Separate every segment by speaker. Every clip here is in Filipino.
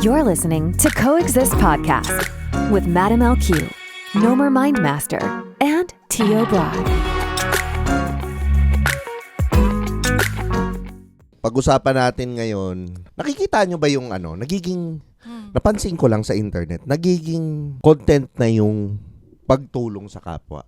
Speaker 1: You're listening to Coexist Podcast with Madam LQ, Nomer Mindmaster, and Tio Brad.
Speaker 2: Pag-usapan natin ngayon, nakikita nyo ba yung napansin ko lang sa internet, nagiging content na yung pagtulong sa kapwa.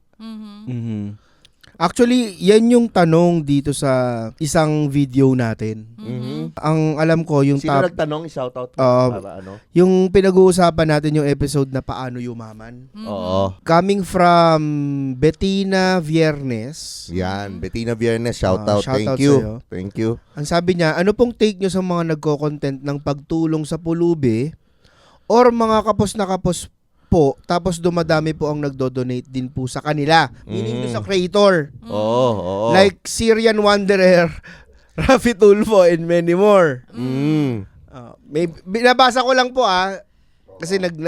Speaker 3: Actually, yan yung tanong dito sa isang video natin. Ang alam ko, yung
Speaker 2: Sino nagtanong? I-shoutout mo para ano?
Speaker 3: yung pinag-uusapan natin yung episode na Paano Yumaman.
Speaker 2: Oo.
Speaker 3: Coming from Bettina Viernes.
Speaker 2: Yan, Bettina Viernes, shoutout.
Speaker 3: Shoutout
Speaker 2: Thank you.
Speaker 3: sa'yo.
Speaker 2: Thank you.
Speaker 3: Ang sabi niya, ano pong take nyo sa mga nagko-content ng pagtulong sa pulubi or mga kapos na kapos po, tapos dumadami po ang nagdo-donate din po sa kanila. Meaning doon sa creator.
Speaker 2: Oo.
Speaker 3: Like Syrian Wanderer, Rafi Tulfo, and many more. May binabasa ko lang po kasi nag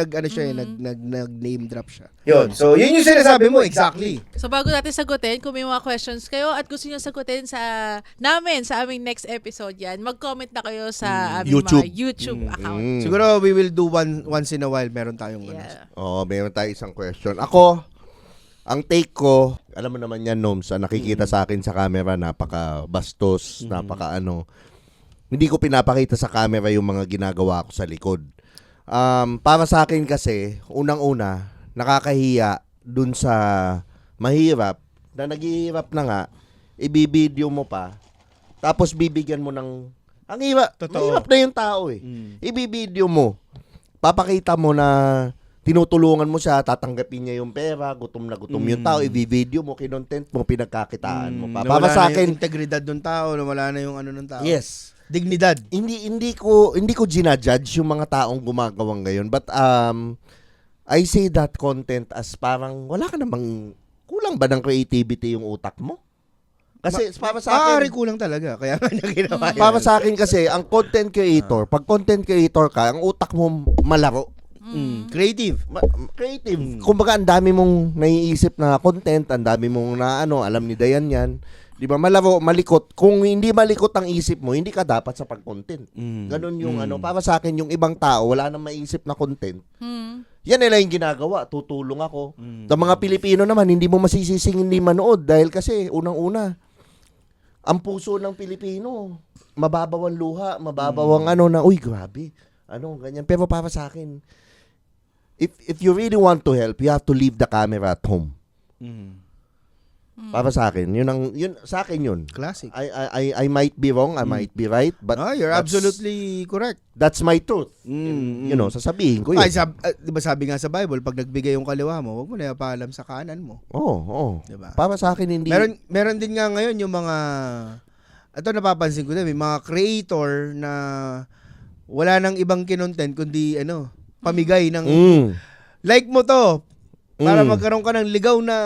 Speaker 3: name drop siya. Yun. So, yun yung sinasabi mo exactly.
Speaker 4: So bago natin sagutin, kung may mga questions kayo at gusto niyo sagutin sa aming next episode yan, mag-comment na kayo sa aming mga YouTube account.
Speaker 3: Siguro we will do once in a while, meron tayong
Speaker 4: Yeah.
Speaker 2: Oo, meron tayo isang question. Ako, ang take ko, alam mo naman yan, Noms, nakikita sa akin sa camera, napaka-bastos, hindi ko pinapakita sa camera yung mga ginagawa ko sa likod. Para sa akin kasi, unang-una, nakakahiya dun sa mahirap, na naghihirap na nga, ibibideo mo pa, tapos bibigyan mo ng, ang hirap, mahirap na yung tao ibibideo mo, papakita mo na tinutulungan mo siya, tatanggapin niya yung pera, gutom na gutom yung tao, ibibideo mo, kinontent mo, pinagkakitaan mo pa. Para sa akin,
Speaker 3: yung integridad ng tao, wala na yung ano ng tao.
Speaker 2: yes.
Speaker 3: Dignidad.
Speaker 2: Hindi ko ginajudge yung mga taong gumagawang ngayon, but I say that content as parang wala ka namang kulang ba ng creativity yung utak mo? Kasi para sa akin,
Speaker 3: kulang talaga, kaya nga niya ginawa yan.
Speaker 2: para sa akin kasi ang content creator, pag content creator ka, ang utak mo malaro.
Speaker 3: Creative.
Speaker 2: Creative. Kumbaga ang dami mong naiisip na content, ang dami mong alam ni Dayan yan. 'Di ba? Malaro, malikot. Kung hindi malikot ang isip mo, hindi ka dapat sa pag-content. Ganon yung para sa akin yung ibang tao wala nang maiisip na content. Yan nila yung ginagawa, tutulong ako. Sa mga Pilipino naman, hindi mo masisising hindi manood dahil kasi unang-una ang puso ng Pilipino, mababaw ang luha, mababaw ang uy, grabe. Ganyan. Pero para sa akin, if you really want to help, you have to leave the camera at home. Para sa akin, yun sa akin yun.
Speaker 3: Classic.
Speaker 2: I might be wrong, I might be right, but
Speaker 3: You're absolutely correct.
Speaker 2: that's my truth. Sasabihin ko yun.
Speaker 3: Diba sabi nga sa Bible, pag nagbigay yung kaliwa mo, wag mo na ipaalam sa kanan mo.
Speaker 2: Oo.
Speaker 3: Diba?
Speaker 2: Para sa akin, hindi.
Speaker 3: Meron din nga ngayon yung mga, ito napapansin ko din, may mga creator na wala nang ibang kinontent kundi pamigay ng like mo to para magkaroon ka ng ligaw na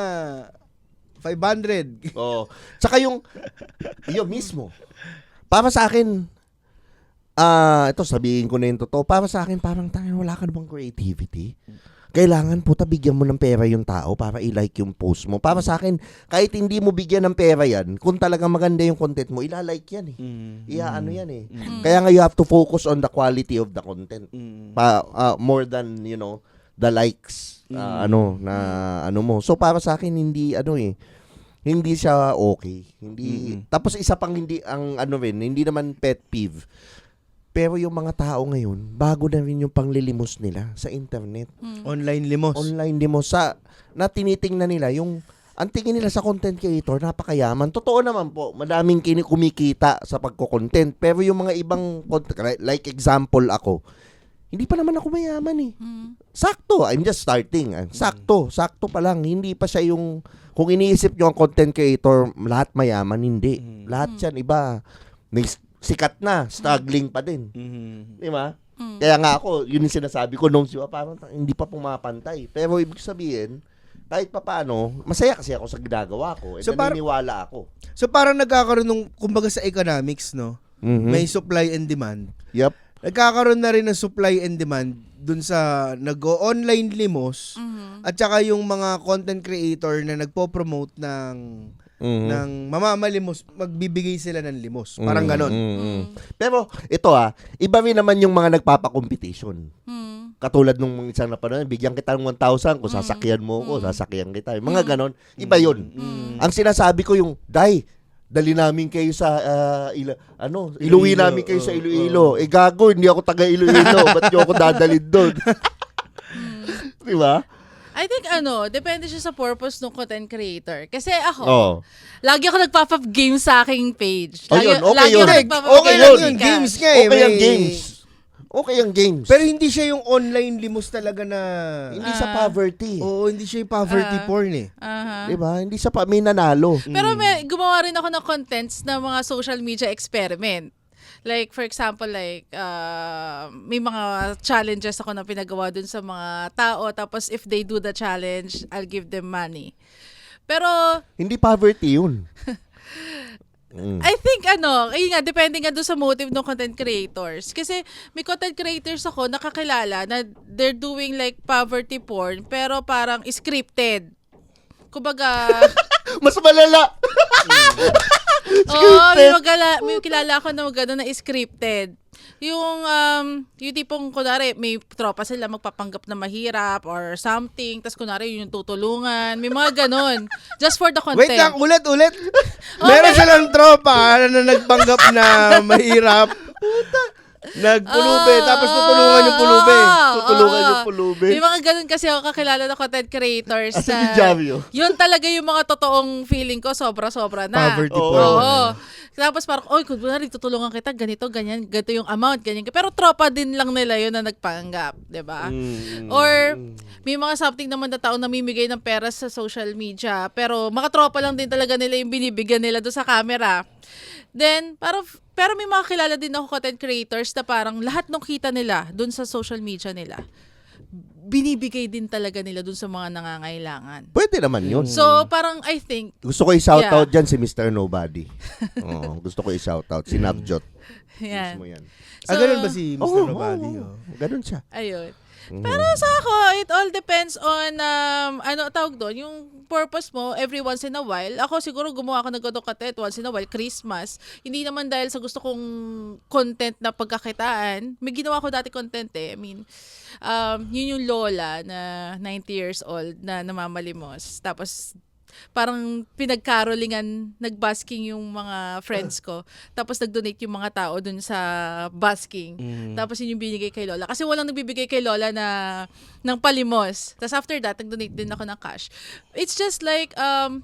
Speaker 3: 500.
Speaker 2: Oo. Tsaka yung mismo. Para sa akin, ito sabihin ko na yung totoo, para sa akin parang wala ka namang creativity. Kailangan bigyan mo ng pera yung tao para i-like yung post mo. Para sa akin, kahit hindi mo bigyan ng pera yan, kung talagang maganda yung content mo, ila-like yan yan Kaya nga you have to focus on the quality of the content. More than, the likes, mo. So para sa akin, hindi siya okay. Tapos isa pang hindi naman pet peeve. Pero yung mga tao ngayon, bago na rin yung panglilimos nila sa internet.
Speaker 3: Online limos.
Speaker 2: Online limos na tinitingnan nila ang tingin nila sa content creator, napakayaman. Totoo naman po, madaming kumikita sa pagko-content. Pero yung mga ibang content, like example ako, hindi pa naman ako mayaman Sakto, I'm just starting. Sakto pa lang. Hindi pa siya kung iniisip nyo ang content creator, lahat mayaman, hindi. Lahat yan, iba. May sikat na, struggling pa din. Di ba? Kaya nga ako, yun yung sinasabi ko nung parang hindi pa pumapantay. Pero ibig sabihin, kahit pa paano, masaya kasi ako sa ginagawa ko. So naniniwala ako.
Speaker 3: So parang nagkakaroon ng, kumbaga sa economics, no? May supply and demand.
Speaker 2: Yep.
Speaker 3: Nagkakaroon na rin ng supply and demand dun sa nag-online limos at saka yung mga content creator na nagpo-promote ng ng mamamalimos, magbibigay sila ng limos. Parang ganon.
Speaker 2: Pero ito iba rin naman yung mga nagpapa-competition. Katulad nung isang napanood, bigyan kita ng 1,000 kung sasakyan mo ko, sasakyan kita. Mga ganon, iba yun. Ang sinasabi ko yung, dali namin kayo sa iluwi namin kayo sa Iloilo. Gago, hindi ako taga Iloilo. Ba't nyo ako dadalhin doon? Di ba?
Speaker 4: I think depende siya sa purpose ng content creator. Kasi ako, lagi ako nagpapa-game sa aking page.
Speaker 2: Okay
Speaker 4: lagi
Speaker 2: yun.
Speaker 4: ako nagpapa-game
Speaker 3: Okay lang yun. Games nga eh.
Speaker 2: Okay ang games. Okay ang games.
Speaker 3: Pero hindi siya yung online limos talaga na...
Speaker 2: Hindi sa poverty.
Speaker 3: Oo, hindi siya yung poverty porn eh.
Speaker 2: Di ba? Hindi sa may nanalo.
Speaker 4: Pero gumawa rin ako ng contents ng mga social media experiment. Like, for example, may mga challenges ako na pinagawa dun sa mga tao. Tapos, if they do the challenge, I'll give them money. Pero...
Speaker 2: Hindi poverty yun.
Speaker 4: I think, ayun nga, depende nga doon sa motive ng content creators. Kasi, may content creators ako nakakilala na they're doing like poverty porn, pero parang scripted. Kumbaga...
Speaker 2: Mas malala!
Speaker 4: Oo, may kilala ako na gano'n na scripted. Yung tipong, kunwari, may tropa sila magpapanggap na mahirap or something, tas kunwari yun yung tutulungan. May mga gano'n. Just for the content.
Speaker 3: Wait lang, ulit. Meron silang tropa na nagpanggap na mahirap. Nagpulube, tapos tutulungan yung pulube.
Speaker 2: Tutulungan yung pulube.
Speaker 4: May mga ganun kasi ako kakilala na content creators.
Speaker 2: Asa ni Javio?
Speaker 4: Yun talaga yung mga totoong feeling ko, sobra-sobra na.
Speaker 3: Poverty
Speaker 2: Oo.
Speaker 3: porn.
Speaker 4: Oo. Tapos parang, kung tutulungan kita, ganito, ganyan, ganito yung amount, ganyan. Pero tropa din lang nila yun na nagpanggap, di ba? Or, may mga something naman na tao namimigay ng pera sa social media, pero mga tropa lang din talaga nila yung binibigyan nila doon sa camera. Then, pero may mga kilala din ako content creators na parang lahat ng kita nila doon sa social media nila, binibigay din talaga nila doon sa mga nangangailangan.
Speaker 2: Pwede naman yun.
Speaker 4: So, parang I think...
Speaker 2: Gusto ko i-shoutout dyan si Mr. Nobody. Gusto ko i-shoutout. Si Navjot.
Speaker 4: Yan.
Speaker 2: Mismo yan.
Speaker 3: Ganun ba si Mr. Nobody?
Speaker 2: Ganun siya.
Speaker 4: Ayun. Pero sa ako, it all depends on, tawag doon, yung purpose mo every once in a while. Ako siguro gumawa ako ng content once in a while, Christmas. Hindi naman dahil sa gusto kong content na pagkakitaan. May ginawa ko dati content eh. I mean, yun yung lola na 90 years old na namamalimos. Tapos, parang pinagkarolingan, nagbasking yung mga friends ko. Tapos nag-donate yung mga tao dun sa basking. Tapos yun yung binigay kay Lola. Kasi walang nagbibigay kay Lola ng palimos. Tapos after that, nag-donate din ako ng cash. It's just like,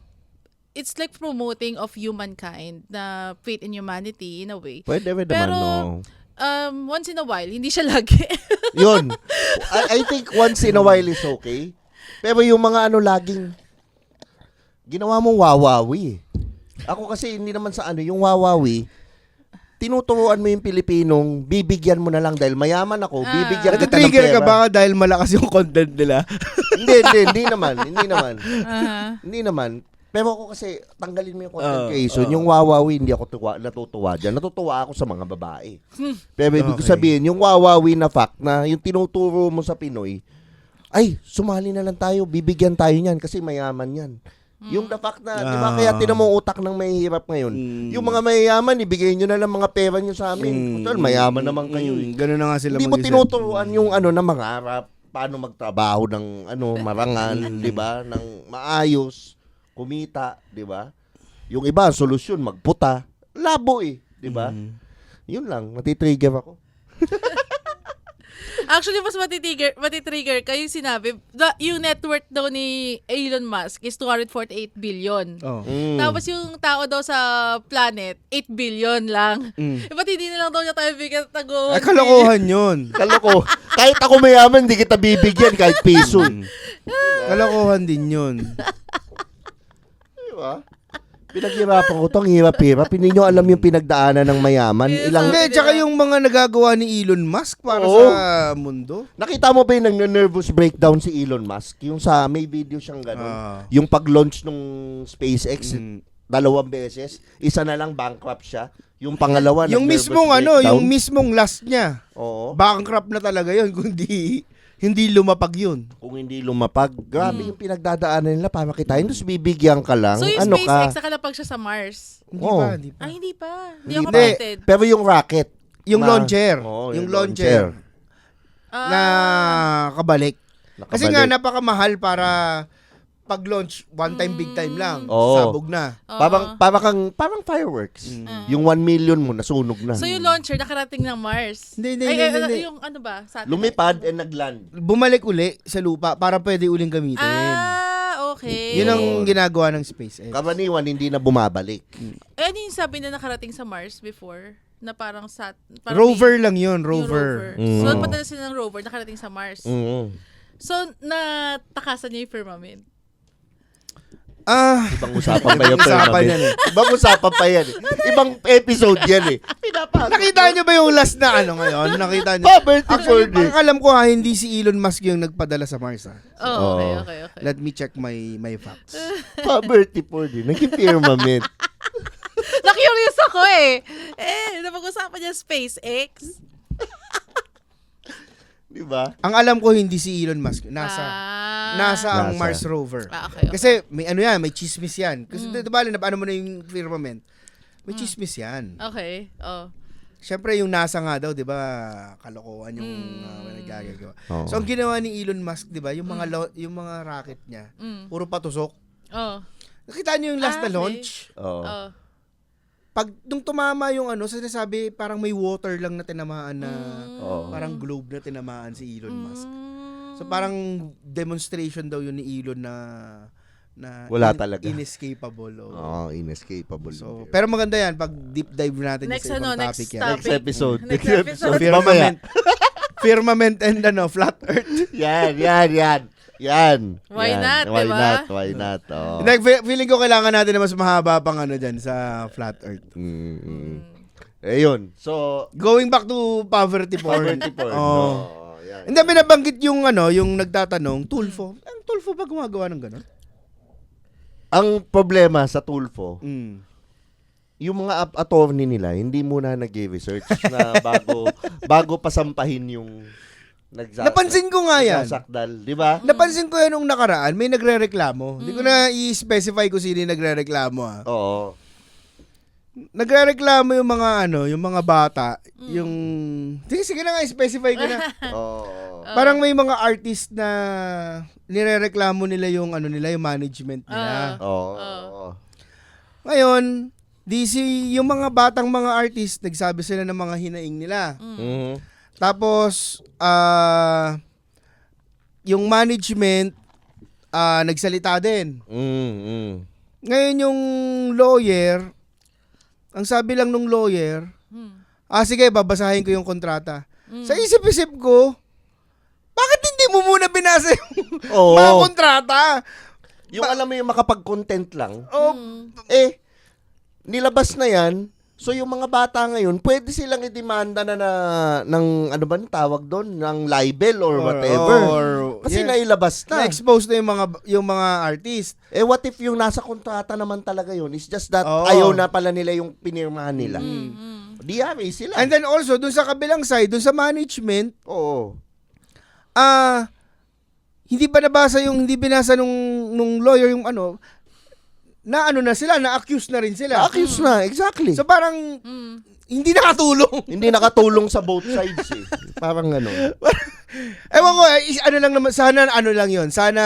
Speaker 4: it's like promoting of humankind na faith in humanity in a way.
Speaker 2: Pwede naman,
Speaker 4: Pero,
Speaker 2: no?
Speaker 4: once in a while, hindi siya lagi.
Speaker 2: Yun. I think once in a while is okay. Pero yung mga laging ginawa mong wawawi. Ako kasi hindi naman sa yung wawawi, tinuturuan mo yung Pilipinong, bibigyan mo na lang dahil mayaman ako, bibigyan kita ng
Speaker 3: Nag-trigger
Speaker 2: pera.
Speaker 3: ka ba dahil malakas yung content nila?
Speaker 2: Hindi naman.
Speaker 4: Uh-huh.
Speaker 2: Hindi naman. Pero ako kasi, tanggalin mo yung content creation. Yung wawawi, hindi ako natutuwa dyan. Natutuwa ako sa mga babae. Pero ibig sabihin, yung wawawi na fact na yung tinuturo mo sa Pinoy, ay, sumali na lang tayo, bibigyan tayo niyan kasi mayaman yan. Yung the fact na, di ba, kaya tinan mo utak ng mahihirap ngayon. Yung mga mayayaman, ibigay nyo na lang mga pera nyo sa amin. Total, mayaman naman kayo.
Speaker 3: Ganun na nga sila
Speaker 2: Hindi mo
Speaker 3: mag-isip.
Speaker 2: tinuturuan yung na mangarap, paano magtrabaho ng marangal, di ba? Ng maayos, kumita, di ba? Yung iba, solusyon, magputa. Labo di ba? Yun lang, natitrigger ako.
Speaker 4: Actually, mas matitrigger ka yung sinabi. Yung net worth daw ni Elon Musk is 248 billion. Tapos yung tao daw sa planet, 8 billion lang. Ba't hindi na lang daw niya tayo bigyan tago?
Speaker 3: Kalokohan yun.
Speaker 2: Kaloko. Kahit ako mayaman, hindi kita bibigyan kahit piso.
Speaker 3: Kalokohan din yun.
Speaker 2: Di ba? Pinaghirapan ko to, ang hirap-hirap. Hindi nyo alam yung pinagdaanan ng mayaman.
Speaker 3: Hindi, tsaka yung mga nagagawa ni Elon Musk para sa mundo.
Speaker 2: Nakita mo ba yung nag-nervous breakdown si Elon Musk? Yung may video siyang gano'n. Yung pag-launch nung SpaceX, 2 beses. Isa na lang bankrupt siya. Yung pangalawa,
Speaker 3: Yung
Speaker 2: nag-nervous
Speaker 3: mismong
Speaker 2: breakdown.
Speaker 3: yung mismong last niya.
Speaker 2: Oo.
Speaker 3: Bankrupt na talaga yun, kundi hindi lumapag yun.
Speaker 2: Kung hindi lumapag, grabe yung pinagdadaanan nila para kitain. Tapos bibigyan ka lang.
Speaker 4: So yung
Speaker 2: ano
Speaker 4: SpaceX,
Speaker 2: ka?
Speaker 4: nakalapag siya sa Mars.
Speaker 3: Hindi
Speaker 2: Oo.
Speaker 3: pa, hindi pa.
Speaker 4: Ay, hindi pa. Hindi
Speaker 2: Hindi
Speaker 4: ako
Speaker 2: pa.
Speaker 4: updated.
Speaker 2: Pero yung rocket.
Speaker 3: Yung
Speaker 2: na-
Speaker 3: launcher.
Speaker 2: Oo,
Speaker 3: yung launcher. Na kabalik. Kasi nga, napakamahal para pag-launch, one time, big time lang.
Speaker 2: Oo.
Speaker 3: Sabog na.
Speaker 2: Parang fireworks. Yung 1 million mo, nasunog na.
Speaker 4: So yung launcher, nakarating ng Mars.
Speaker 3: Hindi.
Speaker 4: Yung ano ba? Satellite.
Speaker 2: Lumipad and nagland.
Speaker 3: Bumalik uli sa lupa para pwede uling gamitin.
Speaker 4: Okay.
Speaker 3: Yun ang ginagawa ng SpaceX.
Speaker 2: Karaniwan, hindi na bumabalik.
Speaker 4: Ano yung sabi na nakarating sa Mars before? Na parang
Speaker 3: Rover lang yun,
Speaker 4: yung
Speaker 3: rover.
Speaker 4: So, padala sila ng rover, nakarating sa Mars. So, natakasan niya yung firmament.
Speaker 2: Ibang usapan pa yan.
Speaker 3: Usapan yan eh.
Speaker 2: Ibang usapan pa yan. Ibang episode yan eh.
Speaker 3: Nakita nyo ba yung last na ano ngayon? Nakita nyo?
Speaker 2: Actually,
Speaker 3: Ang alam ko ha, hindi si Elon Musk yung nagpadala sa Mars ha.
Speaker 4: Oh,
Speaker 2: Oo.
Speaker 4: okay.
Speaker 3: Let me check my facts.
Speaker 2: Pa-birthday for din. Naging firmament.
Speaker 4: Na-curious ako eh. Napag-usapan niya SpaceX.
Speaker 2: Diba?
Speaker 3: Ang alam ko hindi si Elon Musk. Nasa ang
Speaker 2: NASA.
Speaker 3: Mars rover.
Speaker 4: Okay.
Speaker 3: Kasi may ano yan, may chismis yan. Kasi diba, ano mo na yung firmament? May chismis yan.
Speaker 4: Okay. Oh.
Speaker 3: Siyempre yung NASA nga daw, 'di ba, kalokohan yung nagagagawa.
Speaker 2: Oo.
Speaker 3: So ang ginawa ni Elon Musk, 'di ba, yung mga rocket niya, puro patusok.
Speaker 4: Oh.
Speaker 3: Nakita niyo yung last na
Speaker 4: Okay.
Speaker 3: launch?
Speaker 2: Oo.
Speaker 4: Oh.
Speaker 3: Pag nung tumama yung sinasabi parang may water lang na tinamaan na
Speaker 2: Oo.
Speaker 3: parang globe na tinamaan si Elon Musk. So parang demonstration daw yun ni Elon na
Speaker 2: Wala talaga.
Speaker 3: inescapable.
Speaker 2: Oo, inescapable.
Speaker 3: So, pero maganda yan pag deep dive natin
Speaker 4: Next
Speaker 3: sa ibang
Speaker 4: next
Speaker 3: topic yan.
Speaker 4: topic.
Speaker 2: Next episode.
Speaker 4: Next episode.
Speaker 3: Firmament. Firmament and flat earth.
Speaker 2: Yan.
Speaker 4: Why
Speaker 2: Yan.
Speaker 4: not,
Speaker 2: Why
Speaker 4: diba?
Speaker 2: not? Why not? Oh.
Speaker 3: Feeling ko kailangan natin na mas mahaba pang dyan sa flat earth.
Speaker 2: Ayun. So,
Speaker 3: Going back to poverty porn.
Speaker 2: poverty porn.
Speaker 3: Oh.
Speaker 2: Yan.
Speaker 3: Hindi, binabanggit yung yung nagtatanong, Tulfo. Ang Tulfo ba gumagawa ng gano'n?
Speaker 2: Ang problema sa Tulfo,
Speaker 3: Mm.
Speaker 2: yung mga attorney nila, hindi muna nag-research na bago pasampahin yung
Speaker 3: Napansin ko nga yan.
Speaker 2: nagsasakdal, di ba?
Speaker 3: Napansin ko yan nung nakaraan, may nagre-reklamo. Hindi ko na i-specify kung sino yung nagre-reklamo ha.
Speaker 2: Oo.
Speaker 3: Nagre-reklamo yung mga yung mga bata, yung sige na nga i-specify ko na.
Speaker 2: Oo.
Speaker 3: Parang may mga artist na nirereklamo nila yung yung management nila.
Speaker 2: Oo.
Speaker 3: Ngayon, yung mga batang mga artist, nagsabi sila ng mga hinaing nila.
Speaker 2: Mhm.
Speaker 3: Tapos, yung management, nagsalita din. Ngayon yung lawyer, ang sabi lang nung lawyer, sige, babasahin ko yung kontrata. Sa isip-isip ko, bakit hindi mo muna binasa yung
Speaker 2: Oo.
Speaker 3: mga kontrata?
Speaker 2: Yung alam mo yung makapag-content lang,
Speaker 3: Oh,
Speaker 2: nilabas na yan. So yung mga bata ngayon, pwede silang idemanda na ng ano ba ang tawag doon, ng libel or whatever. Kasi nailabas na.
Speaker 3: Na-expose na yung mga artist.
Speaker 2: What if yung nasa kontrata naman talaga yun? It's just that
Speaker 3: Oo.
Speaker 2: ayaw na pala nila yung pinirmahan nila. DRA sila.
Speaker 3: And then also, dun sa kabilang side, dun sa management,
Speaker 2: Oo.
Speaker 3: hindi binasa nung lawyer yung na-accuse na rin sila.
Speaker 2: Na-accuse na, exactly.
Speaker 3: So parang, hindi nakatulong.
Speaker 2: Hindi nakatulong sa both sides eh. Parang ano.
Speaker 3: Ewan ko, lang naman, sana lang yun. Sana,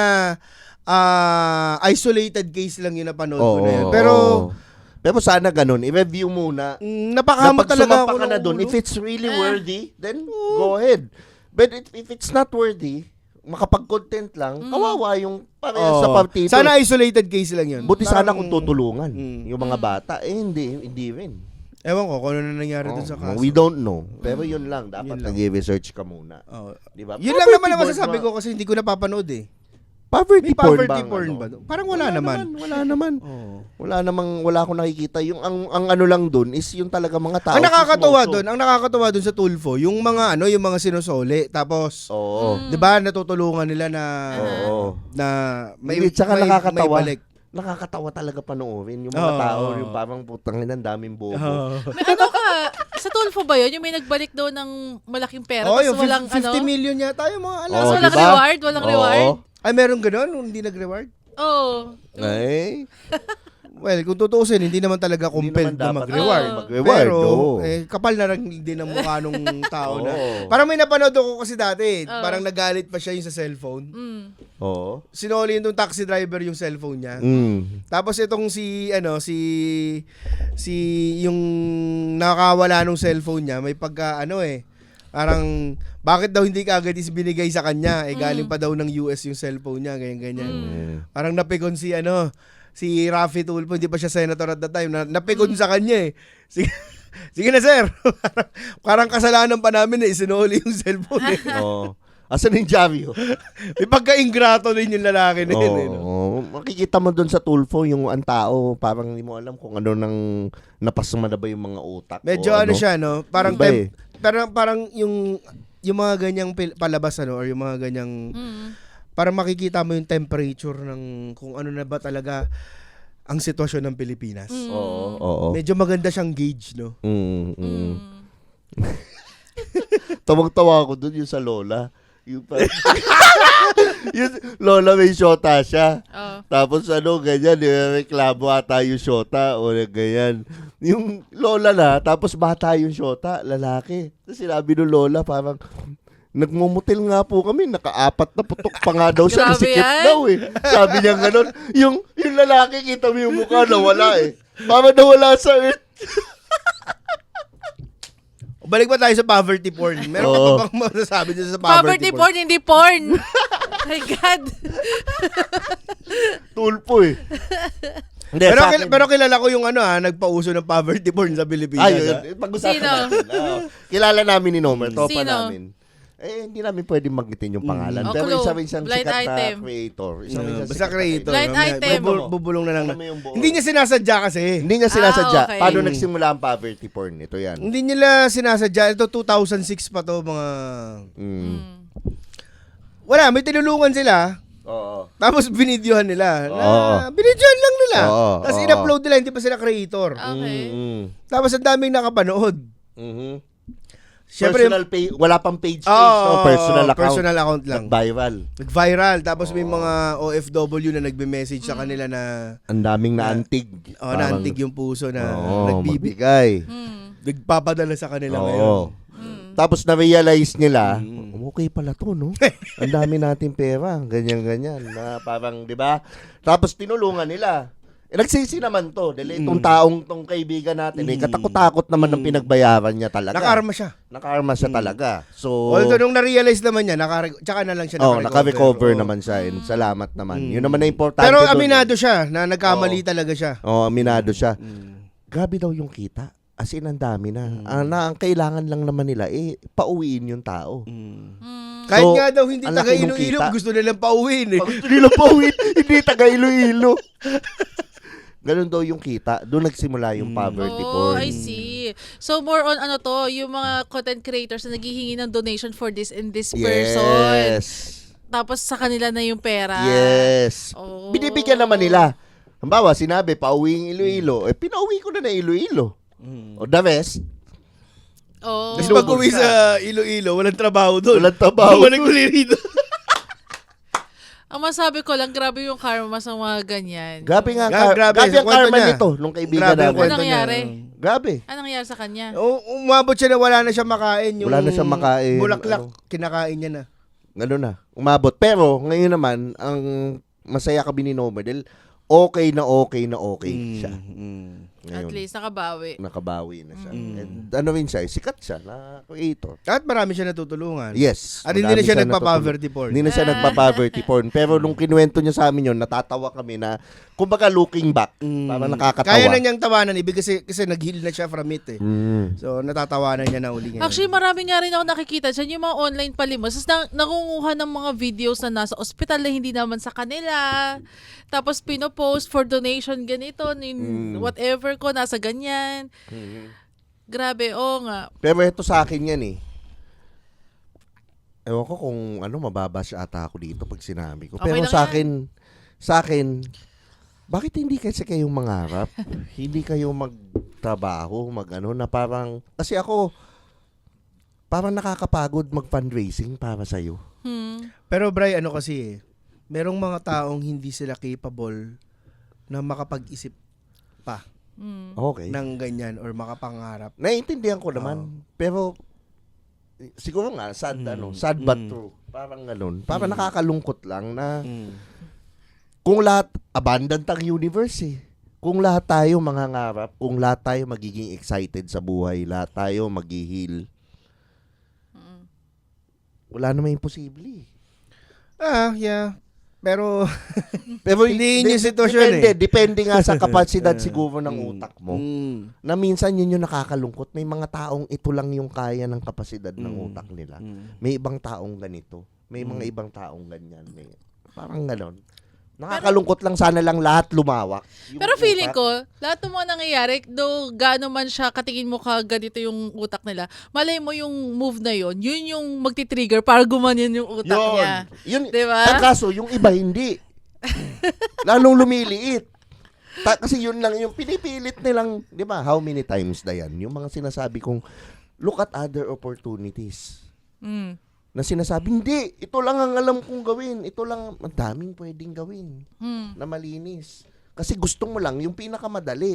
Speaker 3: isolated case lang yun napanood ko na yun.
Speaker 2: Pero sana ganun, i-review muna.
Speaker 3: Napakamot talaga ako
Speaker 2: ka na dun, if it's really worthy, then go ahead. But if it's not worthy, makapag-content lang, kawawa yung parehas sa partido.
Speaker 3: Sana isolated case lang yun.
Speaker 2: Buti sana
Speaker 3: Parang-
Speaker 2: kung tutulungan yung mga bata. Hindi rin.
Speaker 3: Ewan ko kung ano na nangyari dun sa kaso.
Speaker 2: We don't know. Pero yun lang, dapat
Speaker 3: Yun lang.
Speaker 2: nag-research ka muna.
Speaker 3: Oh.
Speaker 2: Di ba?
Speaker 3: Yun lang naman ang masasabi ko kasi hindi ko napapanood eh.
Speaker 2: Poverty
Speaker 3: May
Speaker 2: porn
Speaker 3: poverty
Speaker 2: ba?
Speaker 3: porn ba? Parang wala naman.
Speaker 2: Wala naman.
Speaker 3: Oh.
Speaker 2: Wala akong nakikita. Yung ang ano lang dun is yung talaga mga tao.
Speaker 3: Ang nakakatuwa doon sa Tulfo, yung mga yung mga sinusoli, tapos
Speaker 2: Oo.
Speaker 3: 'di ba natutulungan nila na
Speaker 2: Oo.
Speaker 3: na
Speaker 2: Hindi, tsaka nakakatawa.
Speaker 3: balik.
Speaker 2: nakakatawa talaga panoorin. Yung mga tao, yung parang putang ina, daming bobo.
Speaker 4: May ano ka, sa Tulfo ba yun? Yung may nagbalik daw ng malaking pera,
Speaker 3: Oh,
Speaker 4: tapos
Speaker 3: yung
Speaker 4: walang
Speaker 3: 50
Speaker 4: ano?
Speaker 3: million yata yung mga alam.
Speaker 4: Tapos
Speaker 2: Oh,
Speaker 4: walang
Speaker 2: diba?
Speaker 4: reward? Walang reward?
Speaker 3: Ay, meron ganun? Hindi nag-reward?
Speaker 4: Oh.
Speaker 2: Ay,
Speaker 3: Well, kung tutuusin, hindi naman talaga
Speaker 2: hindi
Speaker 3: compelled
Speaker 2: naman
Speaker 3: na
Speaker 2: dapat
Speaker 3: mag-reward.
Speaker 2: mag-reward.
Speaker 3: Pero,
Speaker 2: oo.
Speaker 3: kapal na rin din ang mukha nung tao na.
Speaker 2: Oo.
Speaker 3: Parang may napanood ako kasi dati.
Speaker 4: Oo.
Speaker 3: Parang nagalit pa siya yung sa cellphone.
Speaker 2: Oo.
Speaker 3: Sinoli yung taxi driver yung cellphone niya. Tapos itong si yung nakakawala nung cellphone niya, may pagka parang bakit daw hindi kaagad is binigay sa kanya? Galing pa daw ng US yung cellphone niya, ganyan. Parang napikon si Raffy Tulfo, hindi pa siya senator at that time, napikon sa kanya eh. Sige na sir. Parang kasalanan pa namin na isinuli yung cellphone eh.
Speaker 2: Oo. Asan yung Javio?
Speaker 3: May pagka-ingrato din yung lalaki na yun eh. No?
Speaker 2: Oo. Makikita mo doon sa Tulfo yung ang tao, parang hindi mo alam kung ano nang napasama na ba yung mga utak.
Speaker 3: Medyo
Speaker 2: o
Speaker 3: siya, no? Parang,
Speaker 2: Iba eh.
Speaker 3: parang yung mga ganyang palabas, or yung mga ganyang, parang makikita mo yung temperature ng kung ano na ba talaga ang sitwasyon ng Pilipinas.
Speaker 2: Oo.
Speaker 3: Medyo maganda siyang gauge, no?
Speaker 2: Tawag-tawa ako doon yung sa Lola. Yung yung Lola may shota siya. Tapos ganyan, reklamo ata yung shota o ganyan. Yung Lola na, tapos bata yung shota, lalaki. Tapos sinabi ng Lola, parang, nagmumutil nga po kami, naka-4 na putok pa nga daw siya,
Speaker 4: Grabe
Speaker 2: sikip
Speaker 4: yan.
Speaker 2: daw eh. Sabi niya gano'n. Yung lalaki, kita mo yung mukha, nawala eh. Parang nawala sa earth.
Speaker 3: Balik pa tayo sa poverty porn. Meron ka pa bang masasabi dyan sa
Speaker 4: Poverty porn, hindi porn. My God.
Speaker 2: Tulpo eh. Hindi, sa akin-
Speaker 3: Pero kilala ko yung nagpauso ng poverty porn sa Pilipinas.
Speaker 2: Ayun, pag-usapan
Speaker 4: Sino?
Speaker 2: natin. Kilala namin ni Nomer, tropa
Speaker 4: Sino?
Speaker 2: namin. Hindi namin pwedeng magnitin yung pangalan.
Speaker 4: O,
Speaker 2: Pero
Speaker 4: clue.
Speaker 2: isang
Speaker 4: Blind
Speaker 2: sikat
Speaker 4: item.
Speaker 2: na creator. Isang
Speaker 3: Basta creator.
Speaker 4: Blind item.
Speaker 3: Bubulong na lang.
Speaker 2: Alam mo yung buo.
Speaker 3: Hindi niya sinasadya kasi.
Speaker 2: Hindi niya sinasadya.
Speaker 4: okay.
Speaker 2: Paano nagsimula ang poverty porn? Ito yan.
Speaker 3: Hindi nila sinasadya. Ito 2006 pa to mga... Wala, may tinulungan sila.
Speaker 2: Oo.
Speaker 3: Tapos binidyohan nila.
Speaker 2: Oo.
Speaker 3: Binidyohan lang nila.
Speaker 2: Oo,
Speaker 3: Tapos
Speaker 2: oo.
Speaker 3: in-upload nila, hindi pa sila creator.
Speaker 4: Okay.
Speaker 3: Tapos ang daming nakapanood. Siyempre,
Speaker 2: Personal page, wala pang page no? Personal account.
Speaker 3: Personal account lang.
Speaker 2: Viral.
Speaker 3: Nag-viral. Tapos may mga OFW na nagbe-message sa kanila na
Speaker 2: Ang daming naantig.
Speaker 3: naantig yung puso na
Speaker 2: magbibigay.
Speaker 3: nagpapadala sa kanila
Speaker 2: Oo.
Speaker 3: ngayon.
Speaker 2: Tapos na-realize nila, okay pala to, no? Ang dami natin pera, ganyan-ganyan. Na parang, di ba? Tapos tinulungan nila. Nagsisi naman to. Dahil itong tong kaibigan natin, katakot-takot naman ng pinagbayaran niya talaga.
Speaker 3: Nakarma siya.
Speaker 2: Nakarma siya talaga. So,
Speaker 3: Although nung na-realize naman niya, tsaka na lang siya
Speaker 2: naka-recover naman siya. And salamat naman. Yun naman na importante.
Speaker 3: Pero
Speaker 2: dun.
Speaker 3: aminado siya na nagkamali talaga siya.
Speaker 2: Aminado siya. Grabe daw yung kita. As in, ang dami na. Ang kailangan lang naman nila, pauwiin yung tao.
Speaker 3: Kahit
Speaker 2: So,
Speaker 3: nga daw hindi
Speaker 2: ang
Speaker 3: taga
Speaker 2: laki nung
Speaker 3: Iloilo,
Speaker 2: kita.
Speaker 3: gusto nilang pauwiin eh.
Speaker 2: Gusto nila pauwiin, hindi taga Iloilo. Ganun daw yung kita. Doon nagsimula yung poverty
Speaker 4: Oh,
Speaker 2: porn.
Speaker 4: I see. So more on yung mga content creators na naghihingi ng donation for this and this person.
Speaker 2: Yes.
Speaker 4: Tapos sa kanila na yung pera.
Speaker 2: Yes.
Speaker 4: Oh.
Speaker 2: Binibigyan naman nila. Halimbawa, sinabi, pauwiing Iloilo. Pinauwi ko na Iloilo. O the rest,
Speaker 4: Oh.
Speaker 3: Tapos pag-uwi sa Iloilo, walang trabaho doon.
Speaker 2: walang trabaho.
Speaker 3: Bumalik uli rito.
Speaker 4: Ang masabi ko lang, grabe yung karma sa mga ganyan.
Speaker 2: Grabe nga,
Speaker 3: Grabe,
Speaker 2: grabe
Speaker 3: sa
Speaker 2: ang
Speaker 3: kwento
Speaker 2: karma
Speaker 3: niya.
Speaker 2: nito, nung kaibigan
Speaker 3: Grabe ang
Speaker 2: namin.
Speaker 3: kwento
Speaker 4: Anong nangyari?
Speaker 3: niya.
Speaker 2: Grabe.
Speaker 4: Anong nangyari sa kanya?
Speaker 3: Umabot siya na wala na siya makain. Yung
Speaker 2: Wala na siyang makain.
Speaker 3: Bulaklak,
Speaker 2: Ano?
Speaker 3: kinakain niya na.
Speaker 2: Ano na, umabot. Pero, ngayon naman, ang masaya kami ni Nomer, dahil okay siya. Ngayon,
Speaker 4: At least nakabawi.
Speaker 2: nakabawi na siya. And ano rin siya, sikat siya na creator.
Speaker 3: At marami siya natutulungan.
Speaker 2: Yes.
Speaker 3: At hindi
Speaker 2: marami
Speaker 3: na siya
Speaker 2: natutulog.
Speaker 3: nagpa-poverty porn.
Speaker 2: Hindi na siya nagpa-poverty porn. Pero nung kinuwento niya sa amin yun, natatawa kami na, kumbaga looking back, parang nakakatawa.
Speaker 3: Kaya na niyang tawanan ibig kasi nag-heal na siya from it eh. So natatawanan niya na uli ngayon.
Speaker 4: Actually, marami nga rin ako nakikita dyan, yung mga online palimos. Tapos nangunguha ng mga videos na nasa ospital na hindi naman sa kanila. Tapos pinopost for donation ganito, whatever ko, nasa ganyan. Grabe, nga.
Speaker 2: Pero ito sa akin yan eh. Ewan ko kung mababash ata ako dito pag sinabi ko.
Speaker 4: Okay
Speaker 2: Pero
Speaker 4: lang
Speaker 2: sa
Speaker 4: yan.
Speaker 2: akin, bakit hindi kasi kayong mangarap? Hindi kayo magtrabaho, na parang, kasi ako, parang nakakapagod mag-fundraising para sa'yo.
Speaker 3: Pero Bri, ano kasi merong mga taong hindi sila capable na makapag-isip pa
Speaker 2: Okay.
Speaker 3: ng ganyan or makapangarap.
Speaker 2: Naiintindihan ko naman. Pero, siguro nga, sad but true. Parang ganun. Parang nakakalungkot lang na, kung lahat, abundant ang universe eh. Kung lahat tayo mangangarap, kung lahat tayo magiging excited sa buhay, lahat tayo mag-heal, wala namang imposible eh.
Speaker 3: Yeah. Pero,
Speaker 2: Pero
Speaker 3: hindi yun yung sitwasyon
Speaker 2: Depende nga sa kapasidad siguro ng utak mo.
Speaker 3: Mm.
Speaker 2: Na minsan yun yung nakakalungkot. May mga taong ito lang yung kaya ng kapasidad ng utak nila. May ibang taong ganito. May mga ibang taong ganyan. Parang ganon. Nakakalungkot lang, sana lang lahat lumawak.
Speaker 4: Pero feeling ko, lahat ng mga nangyayari, though gaano man siya, katingin mo ka ganito yung utak nila, malay mo yung move na yun yung magti-trigger para gumanyan yung utak niya.
Speaker 2: Yun,
Speaker 4: diba?
Speaker 2: Ang kaso, yung iba hindi. Lalong lumiliit. Kasi yun lang, yung pinipilit nilang, di ba, how many times na yan? Yung mga sinasabi kong, look at other opportunities. Na sinasabi, hindi, ito lang ang alam kong gawin. Ito lang, ang daming pwedeng gawin na malinis. Kasi gusto mo lang yung pinakamadali.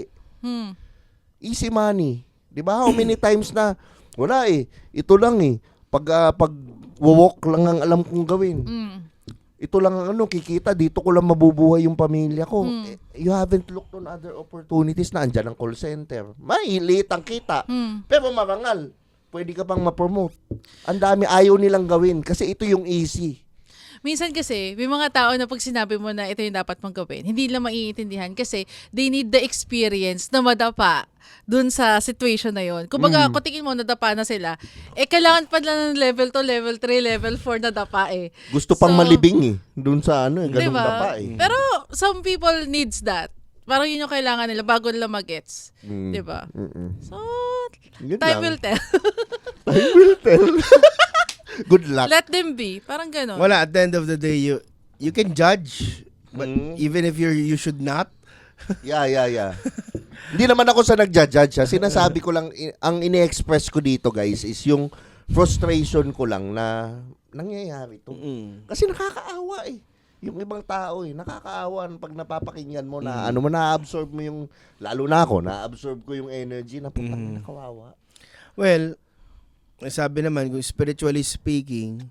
Speaker 2: Easy money. Di ba? How many times na, wala eh, ito lang eh. Pag walk lang ang alam kong gawin. Ito lang ang kikita, dito ko lang mabubuhay yung pamilya ko. You haven't looked on other opportunities na andyan ang call center. Maliit ang kita. Pero marangal. Pwede ka pang ma-promote. Ang dami ayaw nilang gawin kasi ito yung easy.
Speaker 4: Minsan kasi, may mga tao na pag sinabi mo na ito yung dapat mong gawin, hindi nila maiintindihan kasi they need the experience na madapa dun sa situation na yon. Kumbaga, kung tingin mo nadapa na sila, kailangan pa lang ng level 2, level 3, level 4 na dapa eh.
Speaker 2: Gusto pang malibing eh. Dun sa ganung
Speaker 4: diba?
Speaker 2: dapa eh.
Speaker 4: Pero some people needs that. Parang yun yung kailangan nila bago nila mag-gets. Diba? So,
Speaker 2: Yun
Speaker 4: time
Speaker 2: lang.
Speaker 4: will tell.
Speaker 2: Time will tell. Good luck.
Speaker 4: Let them be. Parang gano'n.
Speaker 3: Wala, at the end of the day, you can judge, but even if you should not.
Speaker 2: Yeah. Hindi naman ako sa nagja-judge. Sinasabi ko lang, ang ini-express ko dito guys is yung frustration ko lang na nangyayari to. Kasi nakakaawa eh. Yung ibang tao nakakaawa pag napapakinggan mo na na-absorb mo yung, lalo na ako, na-absorb ko yung energy na putang nakawawa.
Speaker 3: Well, sabi naman, kung spiritually speaking,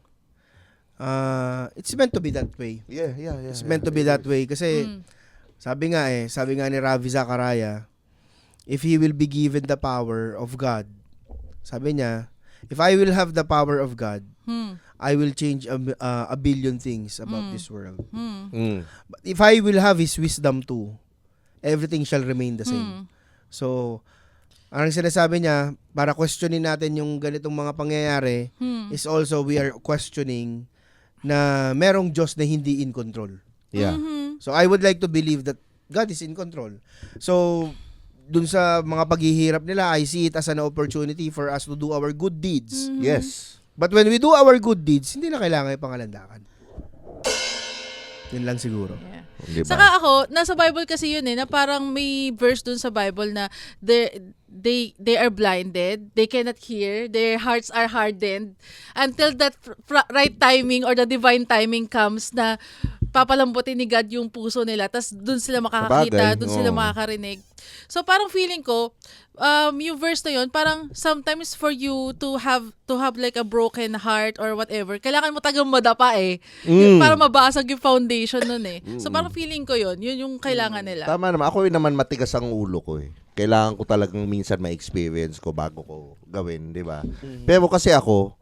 Speaker 3: it's meant to be that way.
Speaker 2: Yeah.
Speaker 3: It's meant to be that way. Kasi, sabi nga ni Ravi Zachariah, if he will be given the power of God, sabi niya, if I will have the power of God, I will change a billion things about this world. But if I will have His wisdom too, everything shall remain the same. So, ang sinasabi niya, para questionin natin yung ganitong mga pangyayari, is also we are questioning na merong Diyos na hindi in control.
Speaker 2: Yeah.
Speaker 3: So, I would like to believe that God is in control. So, dun sa mga paghihirap nila, I see it as an opportunity for us to do our good deeds.
Speaker 2: Yes.
Speaker 3: But when we do our good deeds, hindi na kailangan yung pangalandakan. Yun lang siguro.
Speaker 4: Yeah.
Speaker 2: Diba?
Speaker 4: Saka ako, nasa Bible kasi yun na parang may verse dun sa Bible na they are blinded, they cannot hear, their hearts are hardened until that right timing or the divine timing comes na papalambutin ni God yung puso nila, tas dun sila makakakita,
Speaker 2: Sabagay,
Speaker 4: dun sila makakarinig. So parang feeling ko, yung verse na yun, parang sometimes for you to have like a broken heart or whatever, kailangan mo tagang madapa yung para mabasag yung foundation nun So parang feeling ko yun yung kailangan nila.
Speaker 2: Tama naman. Ako naman matigas ang ulo ko Kailangan ko talagang minsan ma-experience ko bago ko gawin, di ba? Pero kasi ako,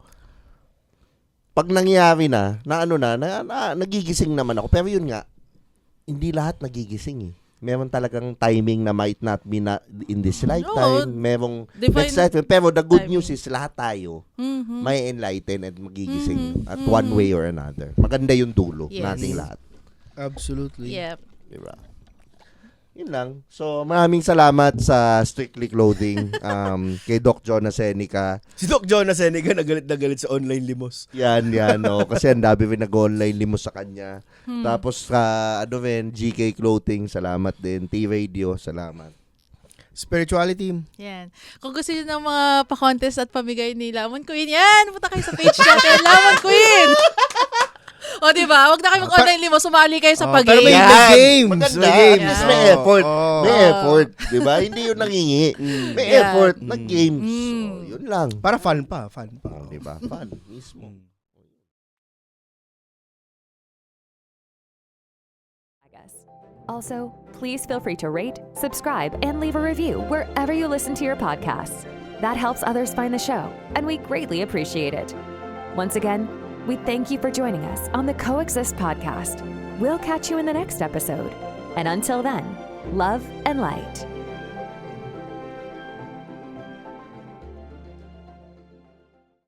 Speaker 2: pag nangyari na nagigising naman ako. Pero yun nga, hindi lahat nagigising Meron talagang timing na might not be in this lifetime. Merong next lifetime. Pero the good news is lahat tayo may enlighten at magigising at one way or another. Maganda yung dulo nating lahat.
Speaker 3: Absolutely.
Speaker 4: Yep.
Speaker 2: Diba? Yun lang. So, maraming salamat sa Strictly Clothing, kay Doc Jonas Seneca.
Speaker 3: Si Doc Jonas Seneca nagalit na galit sa online limos.
Speaker 2: Yan, kasi ang dami rin nag-online limos sa kanya. Tapos, GK Clothing, salamat din. T-Radio, salamat.
Speaker 3: Spirituality.
Speaker 4: Yan. Kung gusto niyo ng mga pa-contest at pamigay ni Lamon Queen, yan! Punta kayo sa page natin, Lamon Queen! O, diba? Huwag na kayo mag-online limo. Sumali kayo sa
Speaker 3: Pero may
Speaker 4: pag-game.
Speaker 3: games.
Speaker 2: Maganda.
Speaker 3: May games.
Speaker 2: At least may effort.
Speaker 3: Oh.
Speaker 2: May effort. Diba? Hindi yun nangingi. May
Speaker 4: Yeah.
Speaker 2: effort. Nag-games. So, yun lang.
Speaker 3: Para fun pa.
Speaker 2: Diba? Fun. Mismo.
Speaker 1: Also, please feel free to rate, subscribe, and leave a review wherever you listen to your podcasts. That helps others find the show, and we greatly appreciate it. Once again, we thank you for joining us on the Coexist podcast. We'll catch you in the next episode. And until then, love and light.